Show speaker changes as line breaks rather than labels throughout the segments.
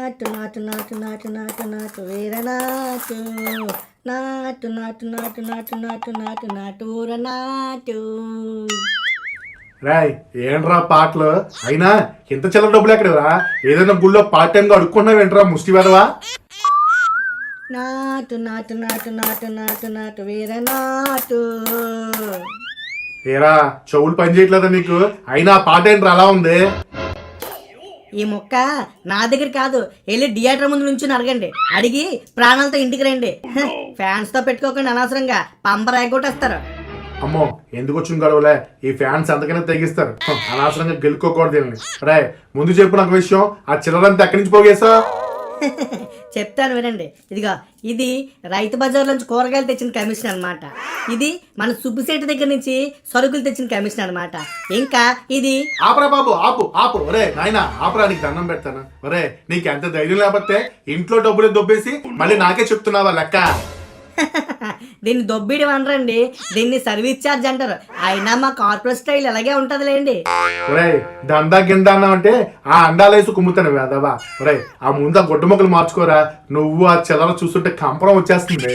నాటు నాటు నాటు నాటు నాటు నాటు వీర నాటు నాటు నాటు నాటు నాటు నాటు నాటు నాటు ఊర నాటు.
రాయ్ ఏంట్రా పాటలు అయినా ఇంత చిల్లర డబ్బులు ఎక్కడరా? ఏదైనా గుళ్ళో పార్ట్ టైం గా అడుక్కున్నావు ఏంట్రా ముష్టి వెదవా?
నాటు నాటు నాటు నాటు నాటు నాటు వీర నాటు.
ఏరా చెవులు పని చేయట్లేదా నీకు? అయినా ఆ పాట ఏంట్రా అలా ఉంది?
ఈ మొక్క నా దగ్గర కాదు, వెళ్ళి థియేటర్ ముందు నుంచి అడగండి. అడిగి ప్రాణాలతో ఇంటికి రండి. ఫ్యాన్స్ తో పెట్టుకోకుండా అనవసరంగా పంపర ఎగ్గొట్టేస్తారు.
అమ్మో ఎందుకు వచ్చిన గొడవలే, ఈ ఫ్యాన్స్ అంతకనే తెగిస్తారు. అనవసరంగా గెలుక్కోకూడదు దీన్ని. రే ముందు చెప్పు నాకు విషయం, ఆ చిల్లరంతా ఎక్కడి నుంచి పోగేసా?
చెప్తాను వినండి. ఇదిగా ఇది రైతు బజార్ నుంచి కూరగాయలు తెచ్చిన కమిషన్ అనమాట. ఇది మన సుబ్బిశెట్టి దగ్గర నుంచి సరుకులు తెచ్చిన కమిషన్ అనమాట. ఇంకా ఇది
ఆపరా బాబు, ఆపు ఆపు. ఒరే నాయనా ఆపరా, నీకు దండం పెడతాను. ఒరే నీకు ఎంత ధైర్యం లేకపోతే ఇంట్లో డబ్బులు దొబ్బేసి మళ్ళీ నాకే చెప్తున్నావా లెక్క?
దీన్ని దొబ్బిడి అనరండి, దీన్ని సర్వీస్ ఛార్జ్ అంటారు. అయినా మా కార్పొరేట్ స్టైల్ ఎలాగే ఉంటదిలేండి.
ఒరే దందా గిందా అన్నావు అంటే ఆ అండాలేసి కుమ్ముతాను వేదవా. ఒరే ఆ ముందు ఆ గుడ్డ మొక్కలు మార్చుకోరా, నువ్వు ఆ చిల్లర చూస్తుంటే కంపరం వచ్చేస్తుంది.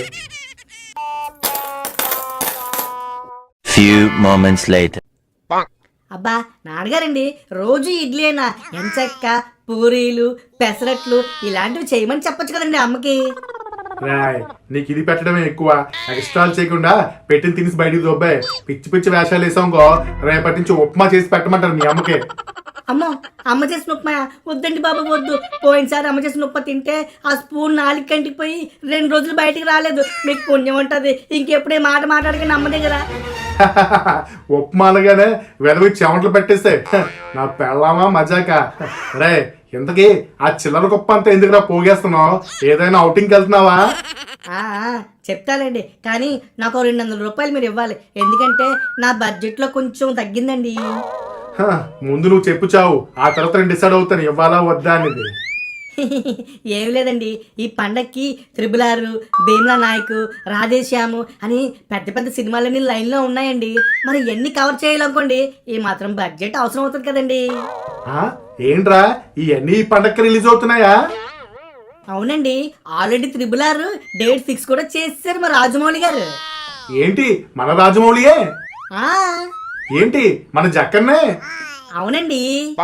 Few moments later.
అబ్బా నాన్నగారండి, రోజు ఇడ్లీ అయినా ఎంచక్క పూరీలు పెసరట్లు ఇలాంటివి చేయమని చెప్పొచ్చు కదండి అమ్మకి.
రాయ్ నీకు ఇది పెట్టడమే ఎక్కువ. ఎక్స్ట్రాలు చేయకుండా పెట్టిన తినేసి బయటికి దొబ్బాయి. పిచ్చి పిచ్చి వేషాలు వేసాంకో రేపటి నుంచి ఉప్మా చేసి పెట్టమంటారు మీ అమ్మకి.
అమ్మో అమ్మ చేసిన ఉప్మా వద్దండి బాబు వద్దు. పోయినసారి అమ్మ చేసిన ఉప్మా తింటే ఆ స్పూన్ 4 కంటికి పోయి 2 రోజులు బయటికి రాలేదు. మీకు పుణ్యం ఉంటుంది. ఇంకెప్పుడే మాట మాట్లాడకండి అమ్మ దగ్గర.
ఉప్మాలుగానే వెదవి చెమటలు పెట్టేస్తే నా పెళ్ళామా మజాక. రే ఇంతకీ ఆ చిల్లర గొప్ప అంతా ఎందుకురా పోగేస్తున్నావు? ఏదైనా అవుటింగ్కి వెళ్తున్నావా?
చెప్తాలేండి, కానీ నాకు 200 రూపాయలు మీరు ఇవ్వాలి. ఎందుకంటే నా బడ్జెట్లో కొంచెం తగ్గిందండి.
ముందు నువ్వు చెప్పు చావు, ఆ తర్వాత నేను డిసైడ్ అవుతాను ఇవ్వాలా వద్దా అనేది.
ఏం లేదండి, ఈ పండక్కి త్రిబుల్ భీమ్లా నాయక్ రాధేశ్యాము అని పెద్ద పెద్ద సినిమాలన్నీ లైన్లో ఉన్నాయండి. మరి ఎన్ని కవర్ చేయాలనుకోండి ఈ మాత్రం బడ్జెట్ అవసరం అవుతుంది కదండి.
ఏంట్రా ఇవన్నీ ఈ పండక్కి రిలీజ్ అవుతున్నాయా?
అవునండి, ఆల్రెడీ త్రిబుల్ డేట్ ఫిక్స్ కూడా చేశారు మా రాజమౌళి గారు.
ఏంటి మన రాజమౌళియే? ఏంటి మన జక్కన్నే?
అవునండి.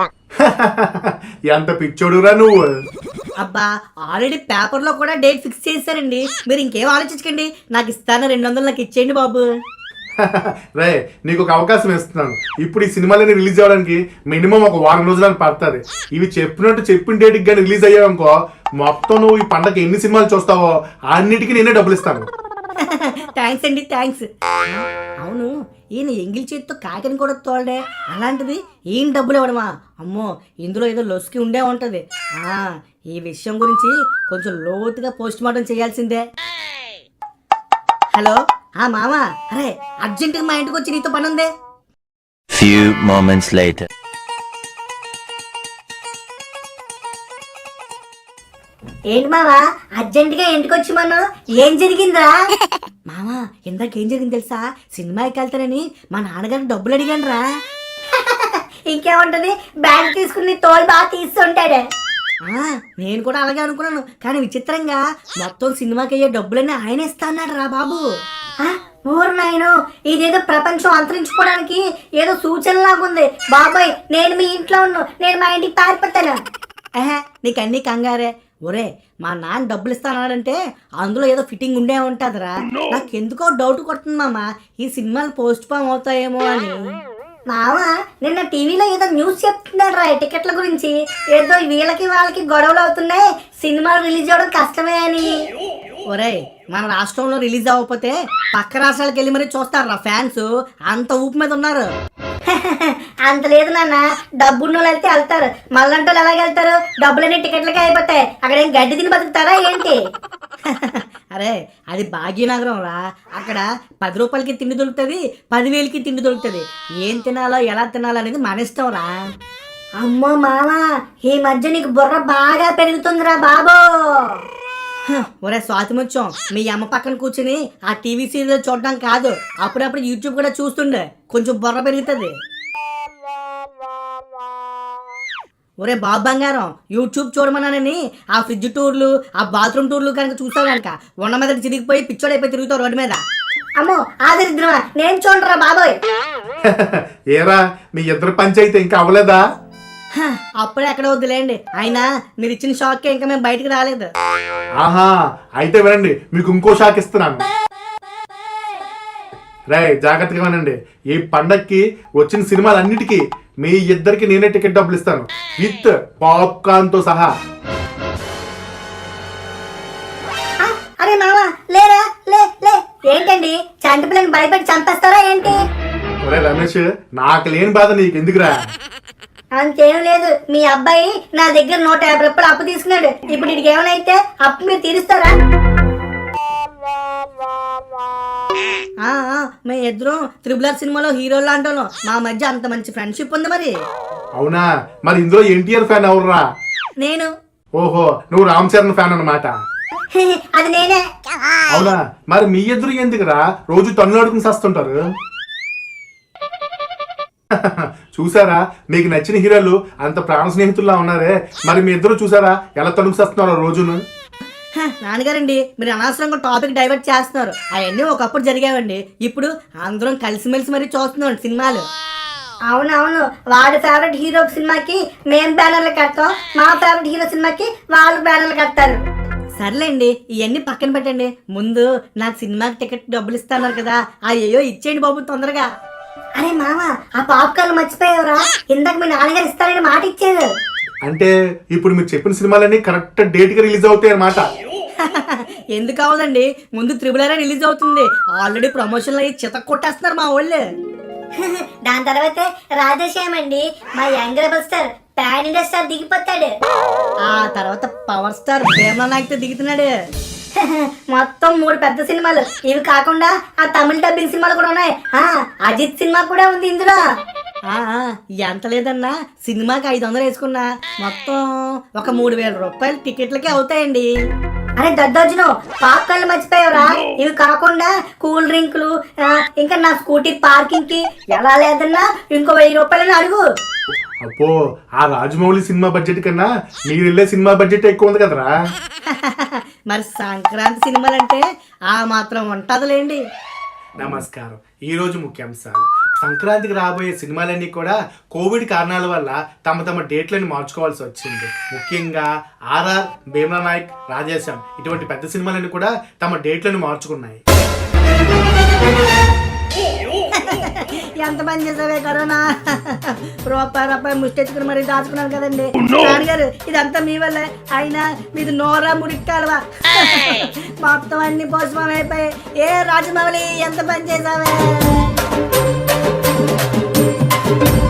ఎంత పిచ్చోడురా నువ్వు.
అబ్బా ఆల్రెడీ పేపర్లో కూడా డేట్ ఫిక్స్ చేశారండి. మీరు ఇంకేం ఆలోచించకండి, నాకు ఇస్తాను 200 నాకు ఇచ్చేయండి బాబు.
రే నీకు ఒక అవకాశం ఇస్తున్నాను. ఇప్పుడు ఈ సినిమాలని రిలీజ్ అవ్వడానికి మినిమం ఒక 1 వారం రోజులు పడుతుంది. ఇవి చెప్పినట్టు చెప్పిన డేట్కి కానీ రిలీజ్ అయ్యావనుకో మొత్తం నువ్వు ఈ పండగ ఎన్ని సినిమాలు చూస్తావో అన్నిటికీ నేనే డబ్బులు ఇస్తాను.
థ్యాంక్స్ అండి, థ్యాంక్స్. అవును, ఈయన ఎంగిల్ చేతితో కాకిని కూడా తోలడే, అలాంటిది ఈయన డబ్బులు ఇవ్వడమా? అమ్మో ఇందులో ఏదో లొసుకి ఉండే ఉంటది. ఈ విషయం గురించి కొంచెం లోతుగా పోస్ట్ మార్టం చేయాల్సిందే. హలో మామ, అరే అర్జెంటుగా మా ఇంటికి వచ్చి నీతో పని ఉంది.
Few moments later.
ఏంటి మావా అర్జెంటుగా ఇంటికి వచ్చి మనం ఏం జరిగిందా? మామా ఇందాక ఏం జరిగింది తెలుసా? సినిమాకి వెళ్తానని మా నాన్నగారు డబ్బులు అడిగాను రా. ఇంకేముంటది, బ్యాంక్ తీసుకుని తోలు బాగా తీస్తుంటాడే. నేను కూడా అలాగే అనుకున్నాను, కానీ విచిత్రంగా మొత్తం సినిమాకి అయ్యే డబ్బులన్నీ ఆయన ఇస్తా అన్నాడు రా బాబు. ఊరు నాయను, ఇదేదో ప్రపంచం అంతరించుకోవడానికి ఏదో సూచనలాగుంది బాబాయ్. నేను మీ ఇంట్లో ఉన్నాను, నేను మా ఇంటికి పారిపోతాను. నీకు అన్ని కంగారే. ఒరే మా నాన్న డబ్బులు ఇస్తానంటే అందులో ఏదో ఫిట్టింగ్ ఉండే ఉంటుందిరా. నాకు ఎందుకో డౌట్ కొడుతుంది మామ, ఈ సినిమాలు పోస్ట్ పోన్ అవుతాయేమో అని. మామ నిన్న టీవీలో ఏదో న్యూస్ చెప్తున్నాడు రా టికెట్ల గురించి. ఏదో వీళ్ళకి వాళ్ళకి గొడవలు అవుతున్నాయి, సినిమాలు రిలీజ్ అవ్వడం కష్టమే అని. ఒరే మన రాష్ట్రంలో రిలీజ్ అవ్వకపోతే పక్క రాష్ట్రాలకు వెళ్ళి మరీ చూస్తారా ఫ్యాన్స్, అంత ఊపు మీద ఉన్నారు. అంత లేదు నాన్న, డబ్బున్న వాళ్ళు వెళ్తే వెళ్తారు, మళ్ళంటూ ఎలాగ వెళ్తారు? డబ్బులన్నీ టికెట్లకే అయిపోతాయి, అక్కడ ఏం గడ్డి తిని బతుకుతారా ఏంటి? అరే అది భాగ్యనగరం రా, అక్కడ 10 రూపాయలకి తిండి దొరుకుతుంది, 10,000కి తిండి దొరుకుతుంది. ఏం తినాలో ఎలా తినాలో అనేది మన ఇష్టం రా. అమ్మో మామ ఈ మధ్య నీకు బుర్ర బాగా పెరుగుతుందిరా బాబో. ఒరే స్వాతిముత్యం, మీ అమ్మ పక్కన కూర్చుని ఆ టీవీ సీరియల్ చూడడం కాదు, అప్పుడప్పుడు యూట్యూబ్ కూడా చూస్తుండే, కొంచెం బుర్ర పెరుగుతుంది. ఒరే బాబు బంగారం, యూట్యూబ్ చూడమన్నానని ఆ ఫ్రిడ్జ్ టూర్లు, ఆ బాత్రూమ్ టూర్లు కనుక చూసావు కనుక ఉన్న మీద చిరిగిపోయి పిచ్చోడైపోయి తిరుగుతావు రోడ్డు మీద. అమ్మో ఆదరిద్రమా, నేను చూడరా బాబోయ్.
ఏరా మీ ఇద్దరు పంచాయితీ ఇంకా అవ్వలేదా?
అప్పుడే ఎక్కడ వద్దులేండి, అయినా మీరు ఇచ్చిన షాక్కే ఇంకా మేము బయటికి రాలేదు.
ఆహా, అయితే వినండి, మీకు ఇంకో షాక్ ఇస్తున్నాను. రే జాగ్రత్తగా వినండి, ఈ పండక్కి వచ్చిన సినిమాలన్నిటికీ మీ ఇద్దరికి నేనే టికెట్ డబ్బులు ఇస్తాను, విత్ పాప్కార్న్ తో సహా.
అరే మామ లేరా, లే లే. ఏంటండి చంటి పిల్లని భయపెట్టి చంపేస్తారా ఏంటి?
ఒరే రమేష్, నాకు లేని బాధ నీకు ఎందుకురా?
అంతేం లేదు, మీ అబ్బాయి నా దగ్గర 150 రూపాయలు అప్పు తీసుకున్నాడు. ఇప్పుడు ఇడికి ఏమైనా అప్పు మీరు తీరుస్తారా? మేము ఇద్దరం త్రిబుల్ ఆర్ సినిమాలో హీరోలు లాంటి మా మధ్య అంత మంచి ఫ్రెండ్షిప్ ఉంది మరి.
అవునా, మరి ఇందులో ఎన్టీఆర్ ఫ్యాన్ ఎవర్రా?
నేను.
ఓహో, నువ్వు రామ్ చరణ్ ఫ్యాన్ అన్నమాట.
అది నేనే.
అవునా, మరి మీ ఇద్దరు ఎందుకురా రోజు తన్నులు అడుగుని చేస్తుంటారు? చూసారా, మీకు నచ్చిన హీరోలు అంత ప్రాణ స్నేహితుల్లా ఉన్నారే, మరి మీ ఇద్దరు చూసారా ఎలా తణుకు చేస్తున్నారో రోజును?
నాన్నగారండి, మీరు అనవసరంగా టాపిక్ డైవర్ట్ చేస్తున్నారు. అవన్నీ ఒకప్పుడు జరిగావండి, ఇప్పుడు అందరం కలిసిమెలిసి మరీ చూస్తున్నాం సినిమాలు. అవునవును, వాడి ఫేవరెట్ హీరో సినిమాకి మేము బ్యానర్లు కడతాం, మా ఫేవరెట్ హీరో సినిమాకి వాళ్ళు బ్యానర్లు కడతారు. సర్లేండి, ఇవన్నీ పక్కన పెట్టండి. ముందు నాకు సినిమాకి టికెట్ డబ్బులు ఇస్తున్నారు కదా, అయ్యో ఇచ్చేయండి బాబు తొందరగా. అరే మామ, ఆ పాప్కార్న్ మర్చిపోయావురా, ఇందాక మీ నాన్నగారు ఇస్తారని మాట ఇచ్చారు.
అంటే ఇప్పుడు మీరు చెప్పిన సినిమాలన్నీ కరెక్ట్ డేట్ కి రిలీజ్ అవుతాయి అన్నమాట.
ఎందుకు అవదండి, ముందు త్రిబుల్ ఆర్ రిలీజ్ అవుతుంది. ఆల్రెడీ ప్రమోషన్లు అయ్యి చితక్ కొట్టేస్తున్నారు మా వాళ్ళు. దాని తర్వాత రాధేశ్యామండి, మా young rebel star pan India star దిగిపోతాడు. ఆ తర్వాత పవర్ స్టార్ భీమలా నాయక్ దిగుతున్నాడు. మొత్తం 3 పెద్ద సినిమాలు, ఇవి కాకుండా ఆ తమిళ డబ్బింగ్ సినిమాలు కూడా ఉన్నాయి. అజిత్ సినిమా కూడా ఉంది ఇందులో. ఎంత లేదన్నా సినిమాకి 500 వేసుకున్నా మొత్తం ఒక 3000 రూపాయలు టికెట్లకే అవుతాయండి. అరే దద్దోజును, పాప్కార్న్లు మర్చిపోయావురా, ఇవి కాకుండా కూల్ డ్రింకులు, ఇంకా నా స్కూటీ పార్కింగ్ కి ఎలా లేదన్నా ఇంకో 1000 రూపాయలని అడుగు.
అప్పో, ఆ రాజమౌళి సినిమా బడ్జెట్ కన్నా మీరు వెళ్ళే సినిమా బడ్జెట్ ఎక్కువ ఉంది కదరా.
మరి సంక్రాంతి సినిమాలంటే ఆ మాత్రం ఉంటదిలేండి.
నమస్కారం, ఈ రోజు ముఖ్యాంశాలు. సంక్రాంతికి రాబోయే సినిమాలన్నీ కూడా కోవిడ్ కారణాల వల్ల తమ డేట్లను మార్చుకోవాల్సి వచ్చింది. ముఖ్యంగా ఆర్ఆర్, భీమలా నాయక్, రాధేశ్యామ్ ఇటువంటి పెద్ద సినిమాలన్నీ కూడా తమ డేట్లను మార్చుకున్నాయి.
ఎంత పని చేసావే కరోనా, రూపాయి ముష్టెచ్చుకుని మరి దాచుకున్నాను కదండి. నాన్నగారు ఇదంతా మీ వల్లే, అయినా మీది నోరా ముడిక్కాలవా, మొత్తం అన్ని పోషమం అయిపోయి. ఏ రాజమౌళి ఎంత పని చేసావే.